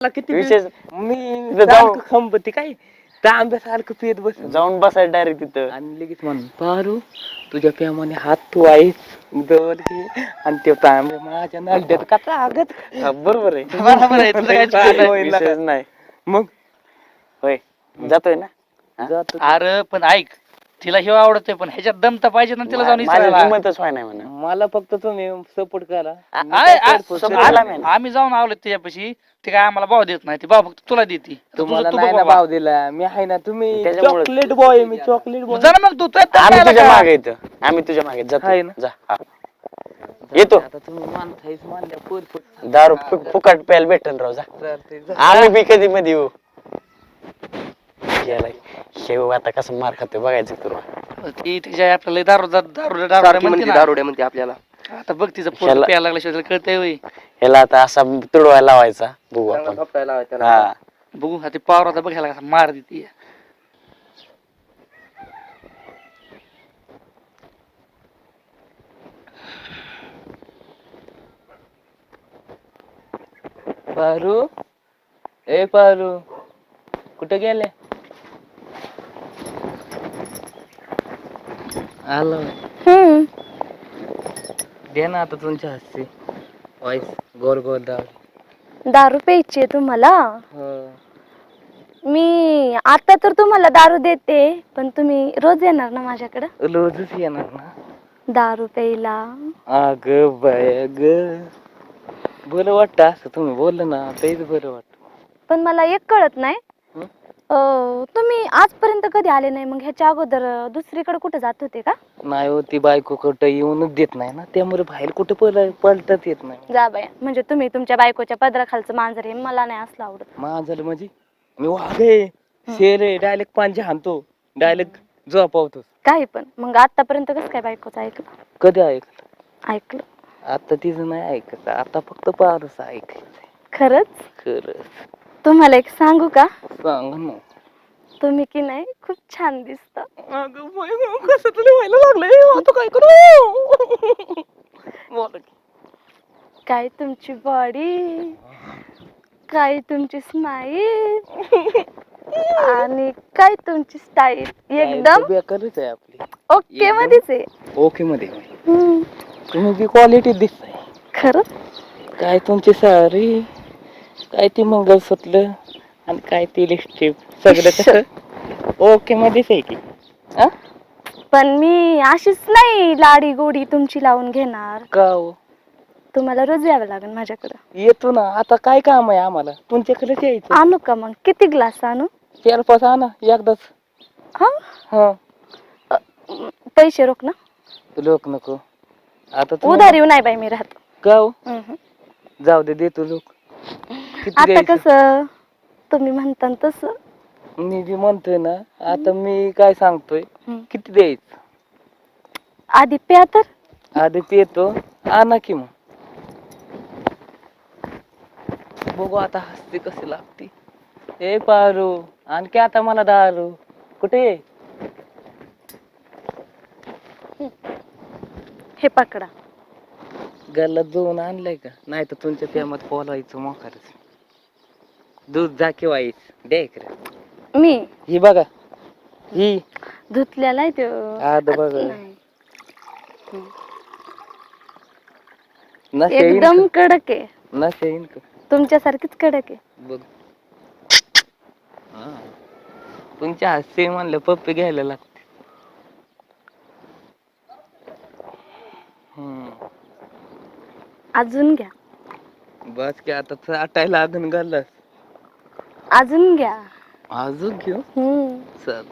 किती विशेष मी तिथं जाऊ. खंबती काय तांब्यासारखं पित बस जाऊन बसायचं डायरेक्ट तिथं. आणि लगेच म्हणून पारू तुझ्या प्रेमाने हात तू आहेस दर घे आणि ते तांबे माझ्या नालट्यात कसा आगत बरोबर आहे. बरोबर आहे, तुला काय चुकीचं नाही. विशेष नाही. मग होय जातोय ना. हा? जातो अरे पण ऐक, तिला हे आवडतंय पण ह्याच्यात दम तर पाहिजे ना तिला जाऊन माझ्या विचारायला. हिंमतच व्हाय नाही म्हणा. मला फक्त तुम्ही सपोर्ट करा मी आय- काय आय- करतो support ते. ला नाही. आम्ही जाऊन आवलो त्याच्यापाशी, ते काय आम्हाला भाव देत नाही, ती भाव फक्त तुला देते. तुम्हाला तू नाही बघ ना बाबा. भाव दिला मी आहे ना तुम्ही त्याच्यामुळे- चॉकलेट बॉय मी चॉकलेट बॉय जा ना मग तू आम्ही तुझ्या मागे येतो. आम्ही तुझ्या मागे आहे जातो. ना? जा हा. येतो. आता तुम्ही मानतायच मानल्या परफेक्ट दारू फुकट प्यायला भेटल राव. जा चालतंय आम्ही बी कधी मध्ये येऊ. गेलाय शेव आता कसं मार खातोय बघायचं तुला. ती तिच्या आपल्याला दारू दारू सारखी म्हणते म्हणते ना. दारुड्या म्हणते आपल्याला. आता बघ तिचं पोट ह्याला- प्यायला लागल्याशिवाय तिला कळतंय होय. ह्याला आता असा तुडवायला लावायचा बघू चांगला आपण. थोपटायला लावायचा त्याला. हा बघू आता पावर आता बघ ह्याला कसा मार देते. पारू ए पारू कुठे गेले आलो दे ना आता तुमच्या हस्ते वाईस गोर गोर दारू दारू प्यायची तुम्हाला? हो मी आता तर तुम्हाला दारू देते, पण तुम्ही रोज येणार ना माझ्याकडं रोजच येणार ना दारू प्यायला? अग बाय ग बरं वाटतं असं तुम्ही बोललं ना तेच बरं वाटतं. पण मला एक कळत नाही, हं? तुम्ही आजपर्यंत कधी आले नाही, मग ह्याच्या अगोदर दुसरीकडे कुठे जात होते का? नाही हो ती बायको कुठं येऊनच देत नाही ना, त्यामुळे बाहेर कुठं पलटत येत नाही. जा बाया, म्हणजे तुम्ही तुमच्या बायकोच्या पदराखालचं मांजर आहे, मला नाही असलं आवडत. माझं म्हणजे मी वाघ आहे शेर आहे डायरेक्ट पांजे हाणतो डायरेक्ट झोपावतो. काही पण मग आतापर्यंत कसं काय बायकोचं ऐकलं? कधी ऐकलं? ऐकलं आता तिचं नाही ऐकत, आता फक्त पारच ऐकायचंय. खरंच? खरंच तुम्हाला एक सांगू का? सांग ना. तुम्ही की नाही खूप छान दिसता. अगं बाई, कसं तुला व्हायला लागलंय आता काय करू? बोला की. काय तुमची बॉडी, काय तुमची स्माईल आणि काय तुमची स्टाईल एकदम बेकारच आहे आपली. ओके एकदम. मध्येच आहे. ओके मध्ये हम्म. तुम्ही जी क्वालिटी दिसताय खरं काय तुमची साडी काय ती मंगळसूत्र आणि काय ती लिपस्टिक सगळं कसं ओके मध्येच आहे की. हा? पण मी अशीच नाही लाडी गोडी तुमची लावून घेणार. का हो? तुम्हाला रोज यावं लागेल माझ्याकडं. येतो ना आता काय काम आहे आम्हाला तुमच्याकडेच यायचं. आणू का मग? किती ग्लास आणू? 4-5 आणा एकदाच. हा हा पैसे रोख ना? लोक नको आता तुम्ही- उधारी नाही बाई मी राहत. का हो? हम्म. जाऊ दे देतो लोक. किती आता द्यायचं? कसं तुम्ही म्हणता न तसं. मी जी म्हणतोय ना आता मी काय सांगतोय हम्म. किती द्यायचं आधी प्या तर. आधी येतो आणा की मग बघू आता हसते कशी लागते. ए पारू आणखी आता मला दारू कुठे आहे? हे पकडा. गल्ला दोन आणलाय का? नाही तर तुमच्या प्रेमात पोलायचं मोकारच. दूध जा किंवा द्या इकडे. मी ही बघा ही धुतलेला आहे तो. आद बघा नाही. नशा येईन एकदम का? कडक आहे. नशा येईन का? तुमच्यासारखीच कडक आहे. बघ हा. तुमच्या हास्य म्हणलं पप्पी घ्यायला लागते. अजून घ्या. बस की आता चाटायला लागून घालस. अजून घ्या. अजून घेऊ चल.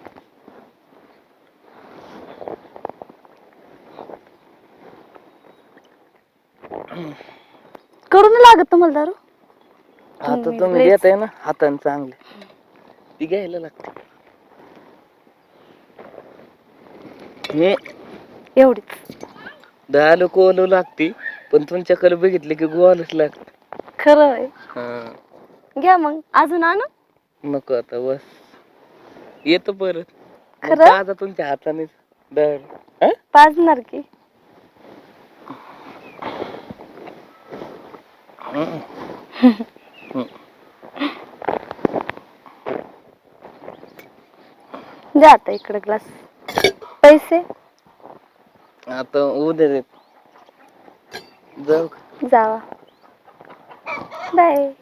करून लागत तुम्हाला दारू? आता तुम्ही तुम्ही लयच- देताय ना हाताने चांगले ती घ्यायला लागते. हे एवढीच. 10 लोक ओलू लागते पण तुमच्याकडे बघितले की गोवालच लागत. खरं आहे. हा घ्या मग. अजून आणू? नको आता बस येतो परत. मग खरं? ताजा तुमच्या हाताने दर पाजणार की? द्या आता इकडे ग्लास. पैसे आता उद्या देत. जाऊ का? जावा. बाय.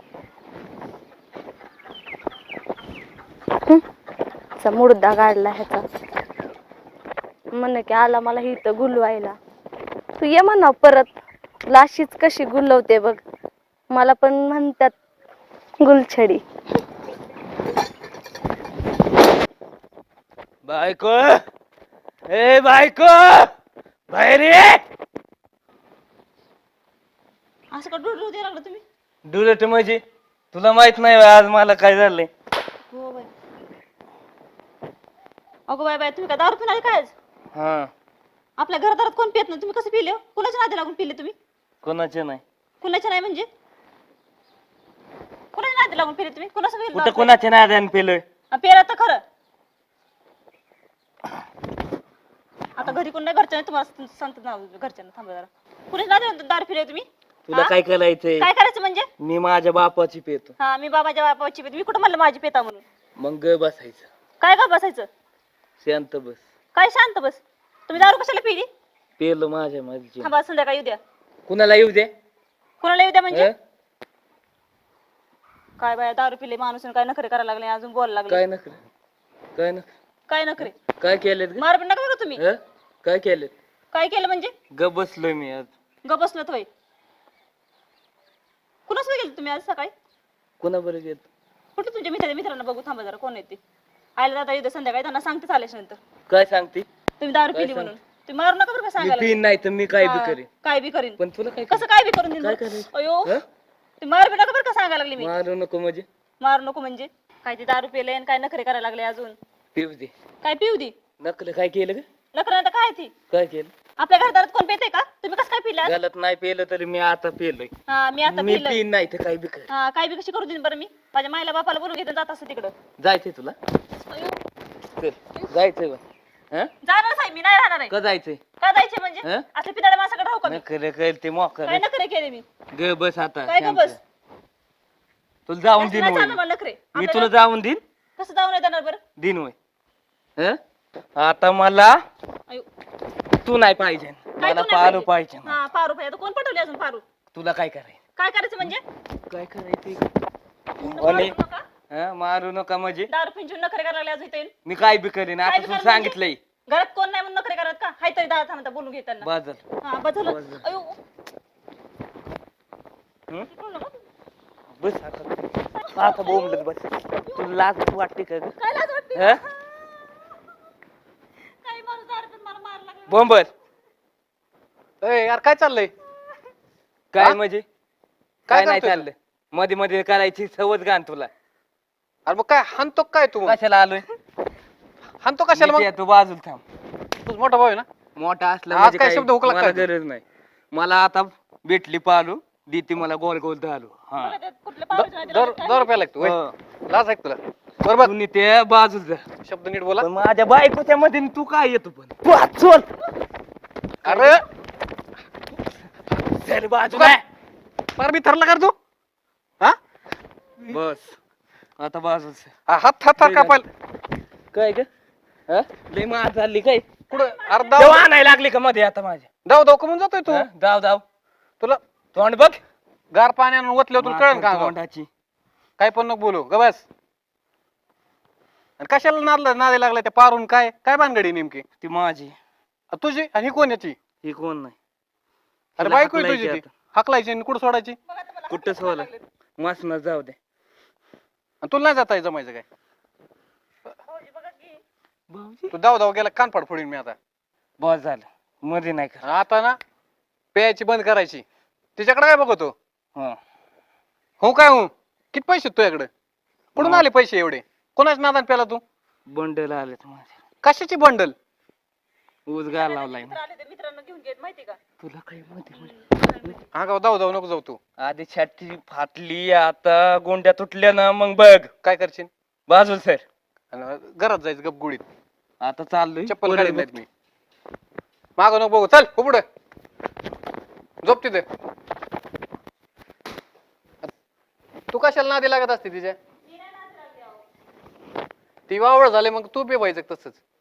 मुर्दा काढला ह्याचा. म्हण की आला मला इथं गुलवायला. तू ये म्हणा परत. लाशीच कशी गुलवते बघ. मला पण म्हणतात गुलछडी. बायको, ए बायको, बाहेर ये. असं का डुडू द्यायला लागलं तुम्ही? डुलट म्हणजे तुला माहित नाही होय आज मला काय झालंय. हो बाय. अगो बाय बाय, तुम्ही का दारू पिणारे काय आज? हा, आपल्या घरादारात कोण पित नाही, तुम्ही कसं पिले हो? कुणाच्या नादी लागून पिले तुम्ही? कोणाचे नाही. कुणाच्या नाही म्हणजे? कुणाच्या नादी लागून पिले तुम्ही? कुणाचं पिले कुठं दारू? कोणाच्या नादाने पेलोय. पेरा तर खरं. आता घरी कोण नाही, घरच्या नाही तुम्हाला सांगतात ना घरच्यांना. थांबा जरा. कुणाच्या नादी दारू पिले तुम्ही? तुला हा? काय करायचंय? काय करायचं म्हणजे? मी माझ्या बापाची पेतो. हा, मी बाबाच्या बापाची पेत. मी कुठं म्हणलं माझी पेता म्हणून? मग ग बसायचं. काय का बसायचं? शांत बस. काय शांत बस? तुम्ही दारू कशाला पिली? पेलो माझ्या मर्जी. थांबा, संध्याकाळी येऊ द्या. कुणाला येऊ दे? कोणाला येऊ द्या म्हणजे? हं? काय बाया, दारू पिले माणूस आणि काय नखरे करायला लागले, अजून बोलायला लागले. काय नखरे? काय नखरे? काय नखरे? काय केलेत ग? मार पण नका बरं तुम्ही. हं? काय केलेत? काय केलं म्हणजे? ग बसलोय मी आज. ग बसलं होय. कुणासोबत गेले तुम्ही आज सकाळी? कोणाबरोबर गेलो? कुठे तुमच्या मित्रांना बघू. थांबा जरा, कोण येते? आयला जाता येऊ द्या संध्याकाळी, त्यांना सांगतेच आल्याच्या नंतर काय सांगते? तुम्ही दारू काय पिली म्हणून. तुम्ही मारू नका बरं का मी सांगायला. पिन नाही तर मी काय बी हा, करेन. काय बी करीन. पण तुला काय कसं काय बी करून देईन काय बरं? करायचं? अयो, हं? तुम्ही मारू बी नका बरं का सांगायला लागले मी. मारू नको म्हणजे? मारू नको म्हणजे? काय ते दारू पिले आणि काय नखरे करायला लागले अजून. पिऊ दे. काय पिऊ दे? नकल काय केलं ग? नखरे आता काय ती? काय केलं? आपल्या घरात कोण पेते का? तुम्ही कसं काय पिला? गलत नाही पेलं तरी मी आता पेलोय. हा, मी आता मी पिलं. पिन नाही तर काय बी कर. हा, काय बी कशी करू देईन बरं मी? माझ्या मायला बापाला बोलून घेते जात असं तिकडं. जायचंय तुला? अयो, चल जायचंय बा. हं? जाणार आहे मी, नाही राहणार आहे. का जायचंय? का जायचे म्हणजे? हं? असले पिताडे माझ्याकडे राहू का मी? नकल कर ते मोकर. काय नखरे केले मी? ग बस आता. काय का शांत. बस? तुला जाऊन असं दिन नाही होय. चालणार मला नखरे. मी आपल्याला तुला जाऊन दिन. कसं जाऊ नाही देणार बरं? दिन होय. हं? आता मला अयो, तू नाही पाहिजे. मला तू नाही पारू पाहिजे? पाहिजे. हा, पारू पाहिजे. आता कोण पटवले अजून पारू? तुला काय करायचं? काय करायचं म्हणजे? काय करायचं? मारू आणि नका. मारू नका म्हणजे? दारू पिंजून नखरे करायला लागले अजून इथे येऊन. मी काय बी करीन. काय आता बी तुला करणार सांगितलंय. घरात कोण नाही म्हणून नखरे करत का? हाय तरी दादा थांबता बोलून घेत त्यांना. बाजल. हा, बस झालं. बस झालं. अयो, हं? इकडून नका. बस आता. आता बोंबलत बस. तुला लाज वाटते का ग? काय लाज वाटते? हं? काही माणूस दारू पिऊन मला मारायला लागला. बोंबल. ए यार काय चाललंय? काय हा? म्हणजे? काय काय नाही करतोय चाललं. मध्ये मध्ये करायची सवत गाण तुला. अरे मग काय हाणतो काय तू? कशाला आलोय? हाणतो कशाला मग? मी ते तू बाजूला थांब. तूच मोठा भाऊ आहे ना? मोठा असला आज म्हणजे काय काय शब्द हुकला मला काय? गरज नाही. मला आता भेटली पालू देते मला गोल गोल धालू. हा. मला ते कुठल्या पावसाच्या नादी दर लागले काय? दर रुपया लागतो हं. लाज आहे का तुला? बरोबर तू ते बाजूला जा. शब्द नीट बोला. पण माझ्या बायकोच्या मध्ये तू काय येतो पण? तू हात सोड. अरे चल बाजूला. फार मी थरला कर तू हा बस आता बाजूला. हात हात हात कापाल काय ग? हं? लय मार झाली काय? कुठं अरे तेव्हा दाव आणायला लागली का मध्ये आता माझ्या? दाव दाव कमून जातोय तू. हं? धाव धाव. तुला तोंड बघ. गार पाण्यानं ओतल्यावर तुला कळेल का? तोंडाची. काय पण नको बोलू ग बस. आणि कशाला नादी लागला त्या पारून? काय काय भानगडी नेमकी ती माझी. तुझी? आणि ही कोण याची? ही कोण नाही. अरे तिला बायको आहे हाकलायची तुझी ती. आता. हाकलायची आणि कुठं सोडायची? बघा तुम्हाला कुठं हात सोला? लागलेत. मसनं जाऊ दे. आणि तुला नाही जाता जमायचं काय? भाऊजी बघा की. भाऊजी तू दाव दाव गेला कान फाड फोडीन मी आता. बस झालं. मध्ये नाही का? आता ना प्यायची बंद करायची. तिच्याकडे काय बघतो? हं. हो काय हो? किती पैसे आहेत तुझ्याकडे? कुठून आले पैसे एवढे? कोणाच नादान प्याला तू? बंडल आलेत माझे. कशाची बंडल? ऊस गार लावलाय मित्र आले ते मित्रांना घेऊन घेत माहिती का? तुला काही मध्ये हा गाव जाऊ जाऊ नको जाऊ तू. आधी छाती फाटली आता गोंड्या तुटल्या ना मग बघ. काय करशील? बाजूला सर. आणि घरात जायचं गप गुडीत. आता चाललोय. चप्पल परत काढीत नाहीत मी. माग नको बघू. चल हो पुढे. झोप तिथे. तू कशाला नादी लागत असते तिच्या? ती वावळ झाले मग तू बी व्हायचं तसंच